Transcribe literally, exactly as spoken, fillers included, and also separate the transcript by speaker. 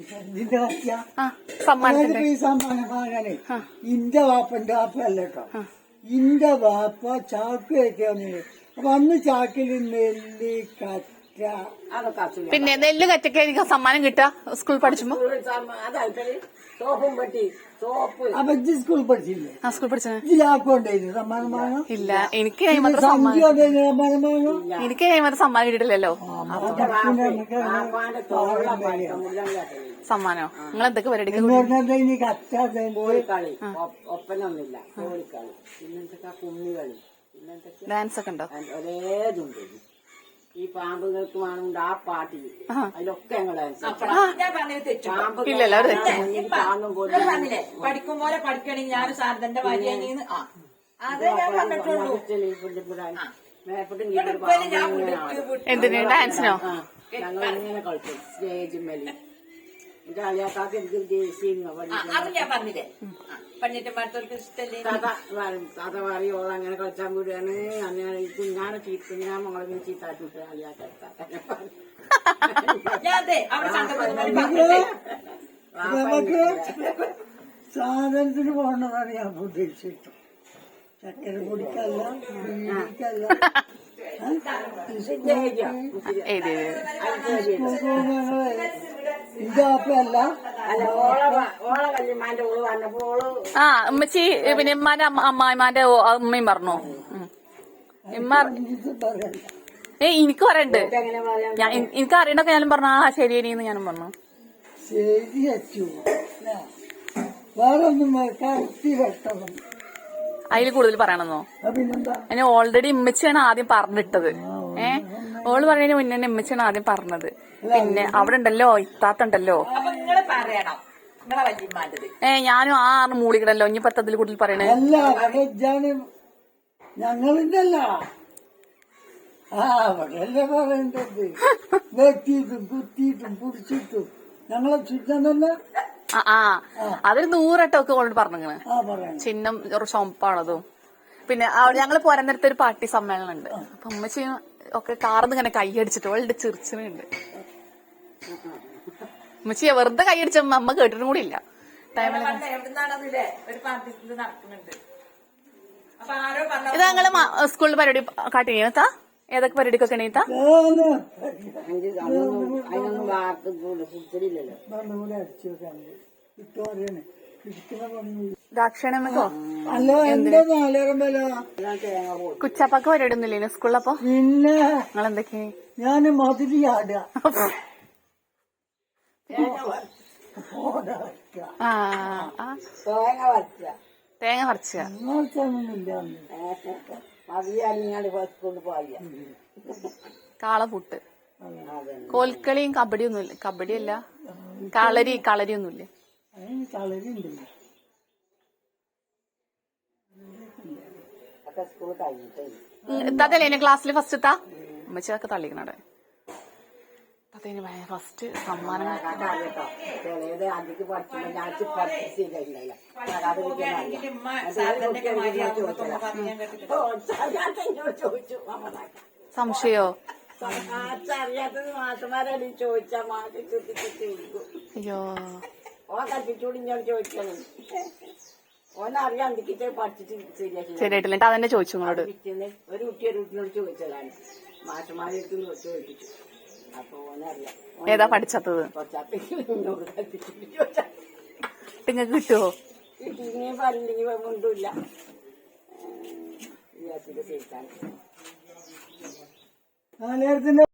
Speaker 1: ഇതിന്റെ പറ്റിയ
Speaker 2: സമ്മാനത്തിന്റെ
Speaker 1: ഈ സമ്മാനം വാങ്ങാനേ ഇന്റെ വാപ്പന്റെ വാപ്പല്ല കേട്ടോ. ഇന്റെ വാപ്പ ചാക്ക് വെക്കാന്നില്ല. അപ്പൊ അന്ന് ചാക്കിൽ നെല്ല് കറ്റ
Speaker 2: പിന്നെ നെല്ല് കറ്റൊക്കെ എനിക്ക് സമ്മാനം കിട്ടാ സ്കൂൾ പഠിച്ചുമ്പോ.
Speaker 3: സോപ്പും പെട്ടി സോപ്പ്.
Speaker 1: അപ്പൊ ഇജ്ജ് സ്കൂളിൽ പഠിച്ചില്ലേ?
Speaker 2: ആ സ്കൂൾ പഠിച്ച
Speaker 1: ജില്ലാക്കൊണ്ടായിരുന്നു സമ്മാനം വാങ്ങാം.
Speaker 2: ഇല്ല, എനിക്ക് മാത്രം സമ്മാനം
Speaker 1: സമ്മാനം വാങ്ങാം.
Speaker 2: എനിക്ക് മാത്രം സമ്മാനം കിട്ടിയിട്ടില്ലല്ലോ. സമ്മാനോ നിങ്ങൾ എന്തൊക്കെ പരിപാടിക്ക്
Speaker 1: ഇനി കറ്റ
Speaker 3: കോഴിക്കളി ഒപ്പനൊന്നുമില്ല. കോഴിക്കളി പിന്നെന്തൊക്കെ കുമ്മികളി പിന്നെന്തൊക്കെ
Speaker 2: ഡാൻസ് ഒക്കെ ഉണ്ടോ?
Speaker 3: ഒരേതുണ്ട്. ഈ പാമ്പുകൾക്ക് വേണമെങ്കിൽ ആ പാട്ടിൽ അതിലൊക്കെ ഞങ്ങൾ
Speaker 2: ഇല്ലല്ലോ
Speaker 4: പഠിക്കും പോലെ പഠിക്കണെങ്കിൽ ഞാൻ സാറിന്റെ ഭാര്യന്ന്
Speaker 2: എന്തിന് ഡാൻസിനോ?
Speaker 3: ഞങ്ങൾ ഇങ്ങനെ കളിക്കും സ്റ്റേജ് മേലെ. ഇത് അളിയാക്കാക്ക് എനിക്ക്
Speaker 4: അത് ഞാൻ പറഞ്ഞില്ലേ പണ്ടിട്ട് മറ്റവർക്ക് ഇഷ്ടല്ലേ
Speaker 3: കഥ പറയോളം അങ്ങനെ കളിച്ചാൻ കൂടിയാണ്. അങ്ങനെ കുഞ്ഞാണ് ചീത്ത ഞാൻ മകളെ ചീത്താട്ടിട്ട്
Speaker 1: നമുക്ക് സാധനത്തിന് പോകണമെന്നാണ് ഞാൻ ഉദ്ദേശിച്ചിട്ടു. ചക്കര പൊടിക്കല്ല ബീഡിക്കല്ല. ഇതാപ്പല്ല
Speaker 2: ആ ഉമ്മച്ചി പിന്നെ ഉമ്മാന്റെ അമ്മായിമാന്റെ ഉമ്മയും പറഞ്ഞു. ഉമ്മ ഏ എനിക്ക് പറയണ്ട്. ഞാൻ എനിക്ക് അറിയണ്ടൊക്കെ ഞാനും പറഞ്ഞു. ആ ശരി ഇനിന്ന് ഞാനും പറഞ്ഞു.
Speaker 1: ശരി അച്ചു വേറെ ഒന്നും കറക്റ്റ് വെട്ടണം.
Speaker 2: അതിൽ കൂടുതൽ പറയണമെന്നോ?
Speaker 1: പിന്നെന്താ
Speaker 2: അതിന് ഓൾറെഡി ഉമ്മച്ചിയാണ് ആദ്യം പറഞ്ഞിട്ടത്. ഏ ഓള് പറയുന്നതിന് മുന്നേ തന്നെ ഉമ്മച്ചിയാണ് ആദ്യം പറഞ്ഞത്. പിന്നെ അവിടെ ഉണ്ടല്ലോ ഇത്താത്തുണ്ടല്ലോ.
Speaker 4: പറയണം നിങ്ങളെ വല്യമ്മാന്റത്.
Speaker 2: ഏ ഞാനും ആ ആറ് മൂളിക്കണല്ലോ. ഇനി പത്തതിൽ കൂടുതൽ പറയണേ
Speaker 1: അല്ല ഞങ്ങളിന്റെ അല്ല. ആ അവിടെയല്ലേ പറയേണ്ടത്. വെട്ടിയിട്ടും കുത്തിയിട്ടും പിടിച്ചിട്ടും ഞങ്ങളെ ചുറ്റാൻ തന്നെ.
Speaker 2: ആ ആ അതൊരു നൂറട്ടൊക്കെ ഓൾറെഡി പറഞ്ഞിങ്ങനെ.
Speaker 1: ആ പറയാം
Speaker 2: ചിഹ്നം ഒരു ചുമപ്പാണതും. പിന്നെ ഞങ്ങള് പോരാൻ നേരത്തെ ഒരു പാർട്ടി സമ്മേളനം ഉണ്ട്. അപ്പൊ ഉമ്മച്ചി ഒക്കെ കാർന്ന് ഇങ്ങനെ കൈയടിച്ചിട്ട് ഓളുടെ ചിറിച്ചിനുണ്ട്. ഉമ്മച്ചി വെറുതെ കൈയടിച്ചപ്പോ അമ്മ കേട്ടിട്ടും കൂടി ഇല്ല.
Speaker 4: എവിടുന്നാണെന്നില്ലേ ഒരു പാർട്ടി ഇത് നടക്കുന്നുണ്ട്. അപ്പൊ ആരോ പറഞ്ഞു
Speaker 2: ഇത് ഞങ്ങള് സ്കൂളിൽ പരിപാടി കാട്ടി എണീത്താ ഏതൊക്കെ പരിപാടിക്കൊക്കെ എണീത്താ?
Speaker 3: അതിനൊന്നും വാർത്ത കുടിച്ചില്ലല്ലോ.
Speaker 2: ദാക്ഷണമോ
Speaker 1: അല്ലോ എന്റെ നാലേറമ്പല
Speaker 2: കുച്ചപ്പൊക്കെ പരിപാടി ഒന്നുമില്ലേ സ്കൂളിലപ്പോ?
Speaker 1: പിന്നെ
Speaker 2: നിങ്ങളെന്തൊക്കെ
Speaker 1: ഞാന് മധുരി ആടുക.
Speaker 2: ആ
Speaker 3: തേങ്ങ വരച്ച
Speaker 2: തേങ്ങ പറിച്ച
Speaker 3: മതിയാലിങ്ങാണ്ട് കൊണ്ട് പോയ
Speaker 2: കാളപൂട്ട് കോൽക്കളിയും കബഡിയൊന്നുമില്ല. കബഡിയല്ല കളരി കളരിയൊന്നുമില്ലേ?
Speaker 1: കളരി ഉണ്ടല്ലോ.
Speaker 3: സ്കൂൾ കഴിഞ്ഞിട്ട്
Speaker 2: ഇത്തല്ലേ എന്നെ ക്ലാസ്സിൽ ഫസ്റ്റ് എത്താ ഉമ്മച്ചൊക്കെ തള്ളിക്കണടെ. ഫസ്റ്റ് സമ്മാനം
Speaker 3: ചിലത് അതിക്ക് പഠിക്കുമ്പോ ഞാൻ പഠിച്ചില്ല. ചോദിച്ചു
Speaker 2: സംശയോ?
Speaker 3: അറിയാത്തത് മാഷന്മാരടി ചോദിച്ചാ മാറ്റി ചുറ്റി ചുറ്റി കൊടുക്കും.
Speaker 2: അയ്യോ
Speaker 3: ഓ കൽപ്പിച്ചൂടി ഞാൻ ചോദിക്കണം. ഓനറിയാം എന്തൊക്കെ പഠിച്ചിട്ട് ശരിയാക്കി
Speaker 2: ശരിയായിട്ടില്ല. അതെന്നെ ചോദിച്ചു നിങ്ങളോട്.
Speaker 3: ഒരു കുട്ടി ഒരു കുട്ടിനോട് ചോദിച്ചതാണ്. മാഷന്മാരെടുത്ത് ചോദിപ്പിച്ചു. അപ്പൊ ഓനറിയാം
Speaker 2: ഏതാ പഠിച്ചത്.
Speaker 3: എന്നോട് കൽപ്പിച്ചിട്ട് ചോദിച്ചാൽ
Speaker 2: നിങ്ങൾക്ക് കിട്ടുവോ?
Speaker 3: ഇനിയും പറഞ്ഞില്ലെങ്കിൽ ഒന്നുമില്ല. വിചാരിച്ചിട്ട് ചെയ്താൽ
Speaker 1: നാലേരത്തിന്റെ